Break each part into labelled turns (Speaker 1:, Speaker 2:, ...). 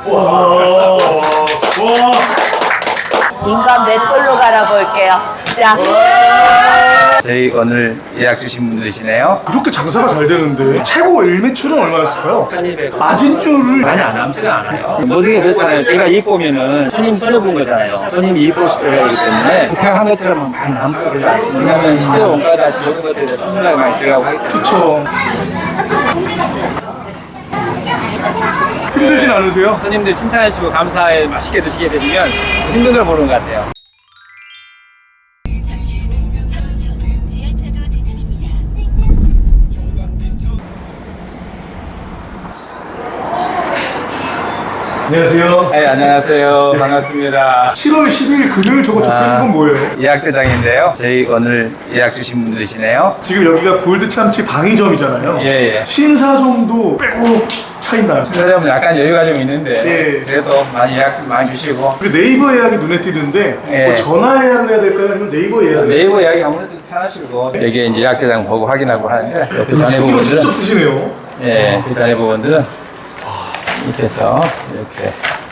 Speaker 1: 와.
Speaker 2: 인간 맷돌로 갈아볼게요. 자.
Speaker 3: 저희 오늘 예약 주신 분들이시네요.
Speaker 1: 이렇게 장사가 잘 되는데 최고 일매출은 얼마였을까요?
Speaker 3: 1200.
Speaker 1: 마진율을
Speaker 3: 많이 안 남지는 않아요. 모든 게 그렇잖아요. 제가 이익 보면은 손님 손해본 거잖아요. 손님 이익 볼 수 있어야 되기 때문에 생각한 것처럼 많이 남고 그러지 않습니다. 왜냐면 실제 원가나 모든 것들에 손님이 많이 들어가고 하기 때문에.
Speaker 1: 그쵸. 힘들진 않으세요?
Speaker 3: 손님들 칭찬해주고 감사해 맛있게 드시게 되면 힘든 걸 보는 것 같아요.
Speaker 4: 잠시 후는 서천 지하차도 진입입니다.
Speaker 1: 안녕하세요.
Speaker 3: 네, 안녕하세요. 반갑습니다.
Speaker 1: 7월 10일 금요일 저거 적혀있는 건 뭐예요?
Speaker 3: 예약 대장인데요. 저희 오늘 예약 주신 분들이시네요.
Speaker 1: 지금 여기가 골드 참치 방위점이잖아요.
Speaker 3: 예.
Speaker 1: 신사점도 빼곡 차이나요.
Speaker 3: 신사점은 약간 여유가 좀 있는데
Speaker 1: 예.
Speaker 3: 그래도 많이 예약 많이 주시고
Speaker 1: 그 네이버 예약이 눈에 띄는데
Speaker 3: 예.
Speaker 1: 뭐 전화 예약을 해야 될까요? 아니면 네이버 예약?
Speaker 3: 네이버 예약이 아무래도 편하시고 여기에 이제 예약 대장 보고 확인하고 하는데 그 전에
Speaker 1: 신경
Speaker 3: 부분들은
Speaker 1: 직접 쓰시네요.
Speaker 3: 예, 그 전에 부분들은 이렇게 해서 이렇게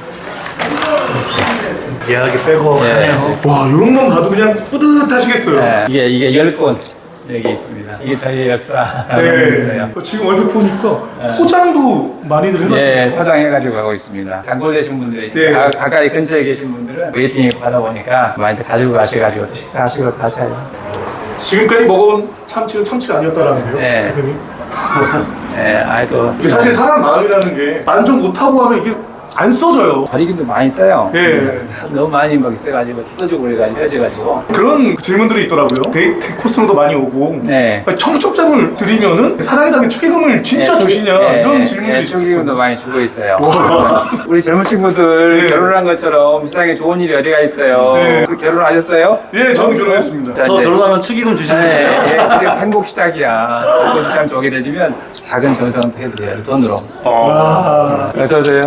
Speaker 1: 예약이 빼곡하네요.
Speaker 3: 예.
Speaker 1: 와, 이런 건 봐도 그냥 뿌듯하시겠어요.
Speaker 3: 예, 이게 10권 여기 있습니다. 이게 저희 역사
Speaker 1: 네.
Speaker 3: 있어요.
Speaker 1: 지금 얼핏 보니까 포장도 많이들 해놨어요.
Speaker 3: 예, 포장해가지고 가고 있습니다. 단골 되신 분들이
Speaker 1: 네.
Speaker 3: 가까이 근처에 계신 분들은 웨이팅 받아보니까 많이들 가지고 가셔가지고 또 식사하시고 가셔요.
Speaker 1: 지금까지 먹어온 참치는 참치가 아니었다라는데요.
Speaker 3: 네.
Speaker 1: 대표님.
Speaker 3: 예, 아이도
Speaker 1: 이게 사실 사람 마음이라는 게 만족 못하고 하면 이게 안 써져요.
Speaker 3: 버리기도 많이 써요.
Speaker 1: 예.
Speaker 3: 너무 많이 막 있어가지고 뜯어주고 그래가지고 헤어져가지고.
Speaker 1: 그런 질문들이 있더라고요. 데이트 코스로도 많이 오고
Speaker 3: 네.
Speaker 1: 청첩장을 드리면은 사랑에 담긴 축의금을 진짜 주시냐 이런 질문들이 있어요.
Speaker 3: 축의금도 많이 주고 있어요. 우리 젊은 친구들
Speaker 1: 네.
Speaker 3: 결혼한 것처럼 세상에 좋은 일이 어디가 있어요.
Speaker 1: 네.
Speaker 3: 그 결혼하셨어요?
Speaker 1: 예, 저는 결혼했습니다.
Speaker 3: 자,
Speaker 5: 저
Speaker 3: 이제
Speaker 5: 결혼하면 축의금 주시는 거예요?
Speaker 3: 네, 이제 행복 시작이야. 참 좋게 되지면 작은 정성 해드려요. 돈으로.
Speaker 1: 아,
Speaker 3: 어서 오세요.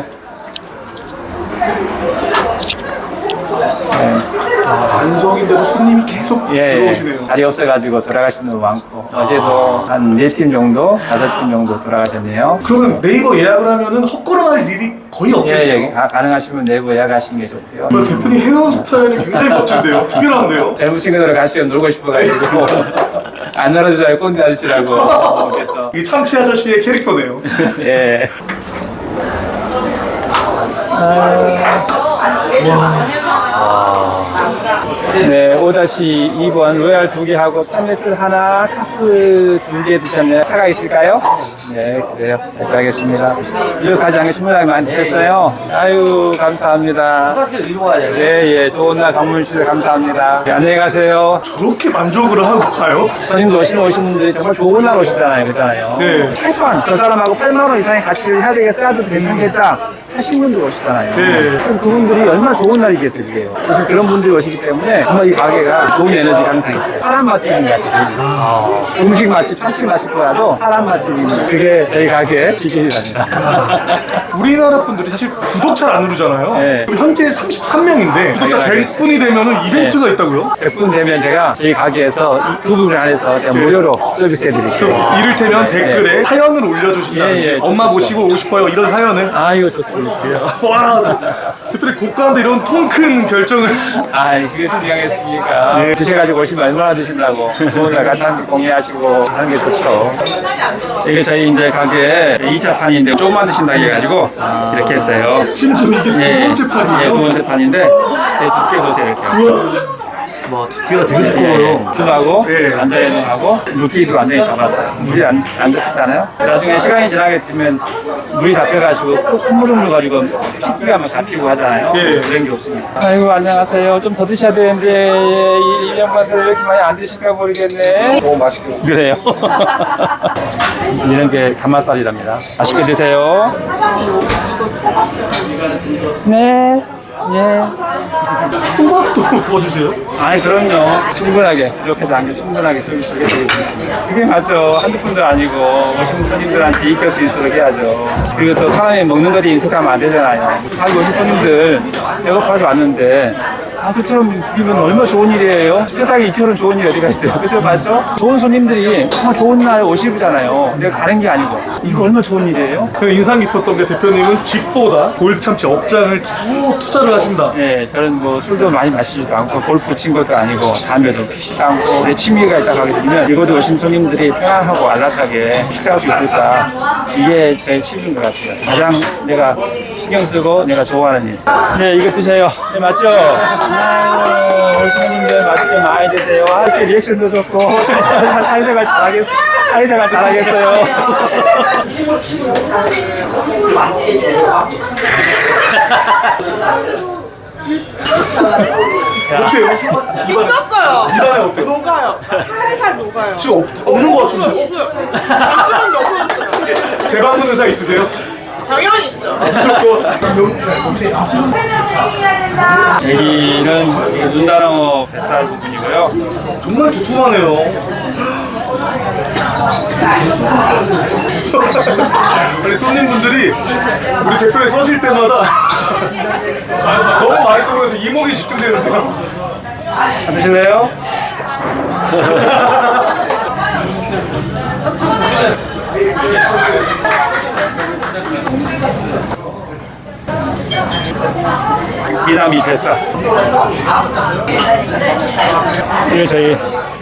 Speaker 1: 반석인데도 손님이 계속 들어오시네요.
Speaker 3: 자리 없어가지고 돌아가시는 분 많고 어제도 한 4팀 정도, 5팀 정도 돌아가셨네요.
Speaker 1: 그러면 네이버 예약을 하면은 헛걸음할 일이 거의 없겠네요.
Speaker 3: 가능하시면 내부 예약하시는 게 좋고요.
Speaker 1: 대표님 헤어스타일이 굉장히 멋진데요. 특별한데요.
Speaker 3: 젊은 친구들 같이 놀고 싶어가지고 안 놀아주자고 꼰대 아저씨라고 그래서
Speaker 1: 이 참치 아저씨의 캐릭터네요.
Speaker 3: 예. 네, 5-2번 로얄 2개 하고 참외슬 하나, 카스 2개 드셨네요. 차가 있을까요? 네, 그래요. 결제하겠습니다. 이거 가장에 주문하게 많이 드셨어요. 아유, 감사합니다.
Speaker 5: 사실 위로 가야 돼요.
Speaker 3: 예, 좋은 날 방문 주셔서 감사합니다. 네, 안녕히 가세요.
Speaker 1: 저렇게 만족을 하고 가요?
Speaker 3: 손님도 오신 분들이 정말 좋은 날 오시잖아요. 그렇잖아요.
Speaker 1: 네.
Speaker 3: 최소한 저 사람하고 8만 원 이상의 가치를 해야 되겠어도 괜찮겠다 하신 분들 오시잖아요.
Speaker 1: 네.
Speaker 3: 그럼 그분들이 얼마나 좋은 날이겠어요, 그게요. 그래서 그런 분들이 오시기 때문에 정말 이 가게가 좋은 에너지가 항상 있어요. 사람 맛집인 것 같아요. 음식 맛집, 참치 맛집보다도 사람 맛집인 그게 저희 가게의 비결이랍니다.
Speaker 1: 우리나라 분들이 사실 구독 잘 안 누르잖아요.
Speaker 3: 네.
Speaker 1: 현재 33명인데 구독자
Speaker 3: 당연하게.
Speaker 1: 100분이 되면은 이벤트가 있다고요?
Speaker 3: 100분 되면 제가 저희 가게에서 이 두 분을 안에서 제가 무료로 서비스 해드릴게요.
Speaker 1: 이를테면 댓글에 사연을 올려주신다든지
Speaker 3: 예, 예,
Speaker 1: 엄마
Speaker 3: 좋죠.
Speaker 1: 모시고 오고 싶어요 이런 사연을
Speaker 3: 아, 이거 좋습니다.
Speaker 1: 와 대표님 고가인데 이런 통 큰 결정을
Speaker 3: 그게 중요하겠습니까? 드셔가지고 오시면 얼마나 드신다고. 좋은 날 같이 함께 공유하시고 하는 게 좋죠. 이게 저희 이제 가게 2차 판인데 조금만 드신다고 해가지고 이렇게 했어요.
Speaker 1: 심지어 이게 두 번째 판이에요?
Speaker 3: 두 번째 판인데 제 두께 보세요, 이렇게.
Speaker 5: 와, 두께가 되게 두꺼워요.
Speaker 3: 하고
Speaker 1: 예.
Speaker 3: 앉아있는하고 물기도 완전히 잡았어요. 물이 안 잡혔잖아요. 나중에 시간이 지나게 되면 물이 잡혀가지고 콧물을 물어가지고 피기가 막 잡히고 하잖아요.
Speaker 1: 예.
Speaker 3: 그런 게 없습니다. 아이고, 안녕하세요. 좀 더 드셔야 되는데 이 양반들 왜 이렇게 많이 안 드실까 모르겠네.
Speaker 1: 너무 맛있게
Speaker 3: 그래요. 이런 게 가마살이랍니다. 맛있게 드세요. 네. 예.
Speaker 1: 초밥도 더 주세요?
Speaker 3: 아니, 그럼요. 충분하게, 부족하지 않게 충분하게 서비스를 드리고 있습니다. 그게 맞죠. 한두 분도 아니고, 오신 손님들한테 이끌 수 있도록 해야죠. 그리고 또 사람이 먹는 거리 인색하면 안 되잖아요. 한국 오신 손님들 배고파서 왔는데, 그처럼 드리면 얼마나 좋은 일이에요. 세상에 이처럼 좋은 일이 어디가 있어요. 그죠? 맞죠? 좋은 손님들이 정말 좋은 날 오시잖아요. 내가 가는 게 아니고. 이거 얼마나 좋은 일이에요?
Speaker 1: 그 인상 깊었던 게 대표님은 집보다 골드 참치 업장을 쭉 투자를 하신다.
Speaker 3: 네, 저는 뭐 술도 많이 마시지도 않고 골프 친 것도 아니고 담배도 피지도 않고 내 취미가 있다고 하게 되면 이곳에 오신 손님들이 편안하고 안락하게 식사할 수 있을까, 이게 제일 취미인 것 같아요. 가장 내가 신경 쓰고 내가 좋아하는 일. 네, 이거 드세요. 네, 맞죠? 아유, 우리 손님들 맛있게 많이 드세요. 이렇게 리액션도 좋고 사회생활 잘하겠어요.
Speaker 1: 어때요?
Speaker 6: 미쳤어요.
Speaker 1: 입안에 어때요?
Speaker 6: 녹아요. 살살 녹아요.
Speaker 1: 지금 없는 것 같은데?
Speaker 6: 없어요. 없어졌어요.
Speaker 1: 재방문 의사 있으세요?
Speaker 6: 당연히 있죠.
Speaker 1: 무조건.
Speaker 3: 여기는 눈다랑어 뱃살 부분이고요.
Speaker 1: 정말 두툼하네요. 아니 손님분들이 우리 대표를 써실 때마다 너무 맛있어 보여서 이목이 집중되는데요.
Speaker 3: 드실래요? 미나미 뱃살. 이게 저희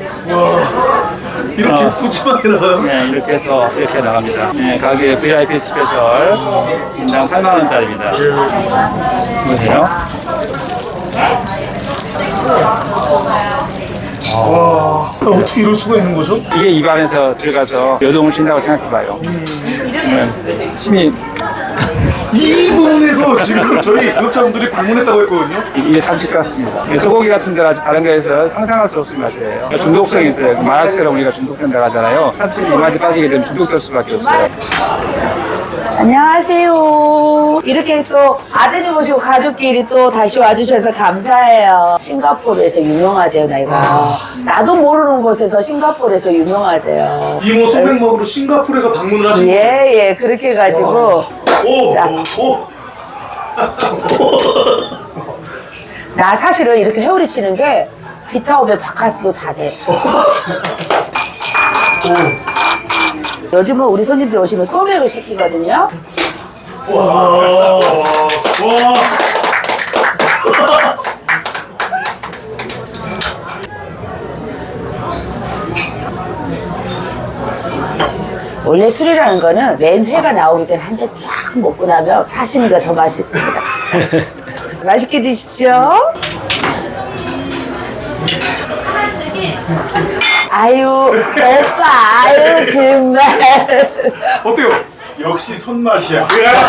Speaker 1: 이렇게 푸짐하게 나가요?
Speaker 3: 네, 이렇게 해서 이렇게 나갑니다. 네, 가격이 VIP 스페셜 인당 8만원짜리입니다. 보세요.
Speaker 1: 와, 어떻게 이럴 수가 있는 거죠?
Speaker 3: 이게 입안에서 들어가서 요동을 친다고 생각해봐요. 침이
Speaker 1: 이 부분에서 지금 저희 구독자분들이 방문했다고 했거든요.
Speaker 3: 이게 참치 같습니다. 소고기 같은 데는 아직 다른 데에서 상상할 수 없는 맛이에요. 중독성이 있어요. 마약처럼 우리가 중독된다고 하잖아요. 참치 입맛에 빠지게 되면 중독될 수밖에 없어요.
Speaker 2: 안녕하세요. 이렇게 또 아드님 오시고 가족끼리 또 다시 와주셔서 감사해요. 싱가포르에서 유명하대요, 내가. 나도 모르는 곳에서 싱가포르에서 유명하대요.
Speaker 1: 이모 소맥 먹으러 싱가포르에서 방문을 하신 거예요?
Speaker 2: 예, 그렇게 해가지고.
Speaker 1: 오!
Speaker 2: 자.
Speaker 1: 오!
Speaker 2: 나 사실은 이렇게 회오리 치는 게 비타오베 바카스도 다 돼. 요즘은 우리 손님들 오시면 소맥을 시키거든요.
Speaker 1: 와! 와!
Speaker 2: 원래 술이라는 거는 맨 회가 나오기 전에 한 잔 쫙 먹고 나면 사시미가 더 맛있습니다. 맛있게 드십시오. 아유, 오빠, 아유, 정말.
Speaker 1: 어때요? 역시 손맛이야.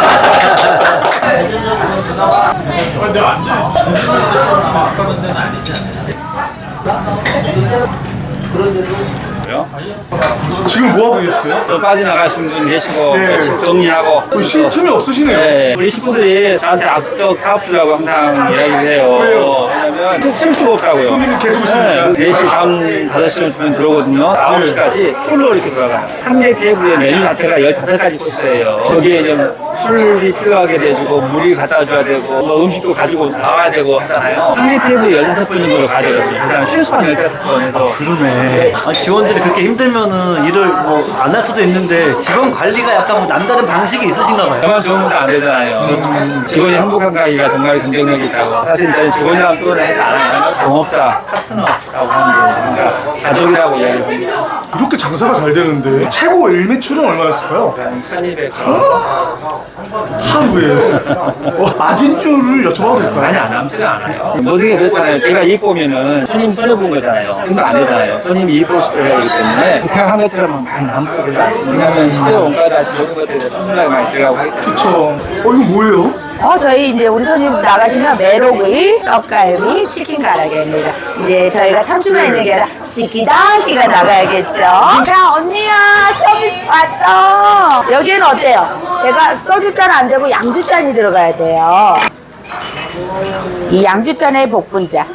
Speaker 1: 지금 뭐 하고 계셨어요?
Speaker 3: 또 빠져나가신 분 계시고
Speaker 1: 네.
Speaker 3: 집 정리하고
Speaker 1: 쉴 틈이 없으시네요.
Speaker 3: 네, 우리 식구들이 저한테 악적 사업주라고 항상 이야기를 해요.
Speaker 1: 왜요?
Speaker 3: 왜냐면 쉴 수가 없다고요.
Speaker 1: 손님이 계속 오시니까.
Speaker 3: 네, 4시 밤 5시쯤 들어오거든요. 9시까지 풀로 이렇게 돌아가요. 한 개 테이블에 메뉴 자체가 15가지 코스예요. 거기에 좀 술이 필요하게 돼주고 물이 갖다 줘야 되고 뭐 음식도 가지고 나와야 되고 하잖아요. 한 개 테이블에 16분 정도를 가져가거든요. 그다음에 최소한 15번에서
Speaker 5: 그러네. 아니, 직원들이 그렇게 힘들면은 일을 뭐 안 할 수도 있는데 직원 관리가 약간 뭐 남다른 방식이 있으신가 봐요.
Speaker 3: 저만 좋은 건 안 되잖아요. 직원이 행복한 가기가 정말 긍정력이 있다고. 사실 저희 직원이랑 표현을 해서 안 하면 동업자, 파트너라고 하는 거예요. 그러니까 가족이라고 이야기를 합니다.
Speaker 1: 이렇게 장사가 잘 되는데 최고 일매출은 얼마였을까요?
Speaker 3: 1200.
Speaker 1: 하루에. 마진율을 여쭤봐도 될까요?
Speaker 3: 많이 안 남지는 않아요. 모든 게 그렇잖아요. 제가 이익 보면은 손님 손해본 거잖아요. 근데 안 되잖아요. 손님이 이익 볼 수 있어야 되기 때문에 생각한 것처럼 많이 남고 그러지 않습니다. 왜냐하면 실제로 원가를 아직 모든 것들에 대해서 손님이 많이 들어가고 하기 때문에.
Speaker 1: 그쵸. 이거 뭐예요?
Speaker 2: 저희 이제 우리 손님 나가시면 메로구이, 떡갈비, 치킨 가라게입니다. 이제 저희가 참치만 있는 게 아니라 시키다시가 나가야겠죠. 자, 언니야, 서비스 왔어. 여기는 어때요? 제가 소주잔 안 되고 양주잔이 들어가야 돼요. 이 양주잔에 복분자.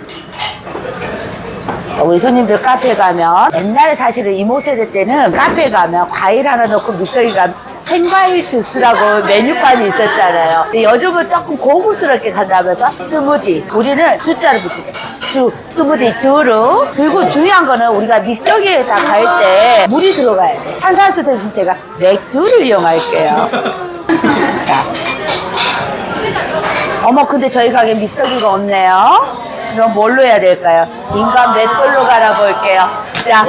Speaker 2: 우리 손님들 카페 가면 옛날에 사실은 이모 세대 때는 카페 가면 과일 하나 넣고 믹서기 가면 생과일 주스라고 메뉴판이 있었잖아요. 근데 요즘은 조금 고급스럽게 간다면서 스무디. 우리는 숫자를 붙이게. 스무디 주로. 그리고 중요한 거는 우리가 믹서기에다 갈 때 물이 들어가야 돼. 탄산수 대신 제가 맥주를 이용할게요. 자. 어머, 근데 저희 가게 믹서기가 없네요. 그럼 뭘로 해야 될까요? 인간 맷돌로 갈아볼게요. 자.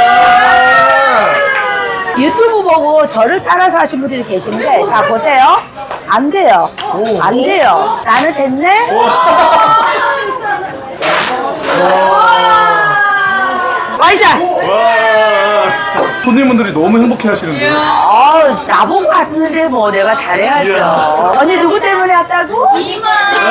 Speaker 2: 유튜브 보고 저를 따라서 하신 분들이 계신데, 자, 보세요. 안 돼요. 안 돼요. 나는 됐네? 와이샷!
Speaker 1: 손님분들이 너무 행복해 하시는데요.
Speaker 2: 나보고 왔는데 뭐 내가 잘해야죠. 언니 누구 때문에 왔다고? 이마!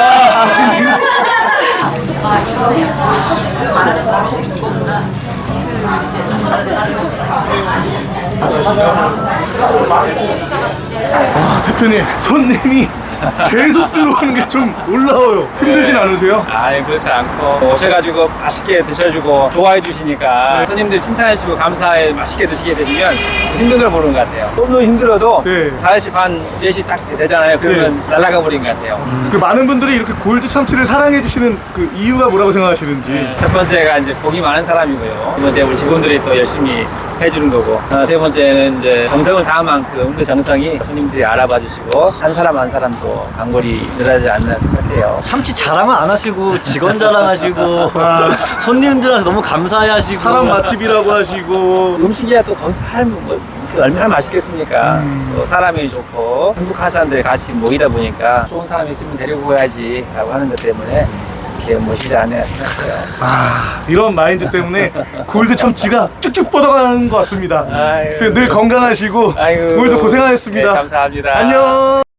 Speaker 1: 대표님, 손님이 계속 들어오는 게 좀 놀라워요. 힘들진 않으세요?
Speaker 3: 아니 그렇지 않고 오셔가지고 맛있게 드셔주고 좋아해 주시니까 손님들 칭찬해주고 감사해 맛있게 드시게 되면 힘든 걸 모르는 것 같아요. 너무 힘들어도
Speaker 1: 네.
Speaker 3: 5시 반, 4시 딱 되잖아요. 그러면 날아가 버린 것 같아요.
Speaker 1: 그 많은 분들이 이렇게 골드 참치를 사랑해 주시는 그 이유가 뭐라고 생각하시는지.
Speaker 3: 첫 번째가 이제 복이 많은 사람이고요. 두 번째 우리 직원들이 또 열심히 해주는 거고. 세 번째는 이제 정성을 다한 만큼 그 정성이 손님들이 알아봐 주시고 한 사람 한 사람도 단골이 늘어나지 않는 것 같아요.
Speaker 5: 참치 자랑은 안 하시고 직원 자랑하시고 손님들한테 너무 감사해하시고
Speaker 1: 사람 맛집이라고 하시고.
Speaker 3: 음식이야 또 거기서 살면 뭐 얼마나 맛있겠습니까? 또 사람이 좋고 행복한 사람들이 같이 모이다 보니까 좋은 사람이 있으면 데리고 가야지 라고 하는 것 때문에 이렇게 모시지 않아야 생각해요.
Speaker 1: 이런 마인드 때문에 골드 참치가 쭉쭉 뻗어가는 것 같습니다.
Speaker 3: 아유.
Speaker 1: 늘 건강하시고
Speaker 3: 아이고.
Speaker 1: 오늘도 고생하셨습니다.
Speaker 3: 네, 감사합니다.
Speaker 1: 안녕.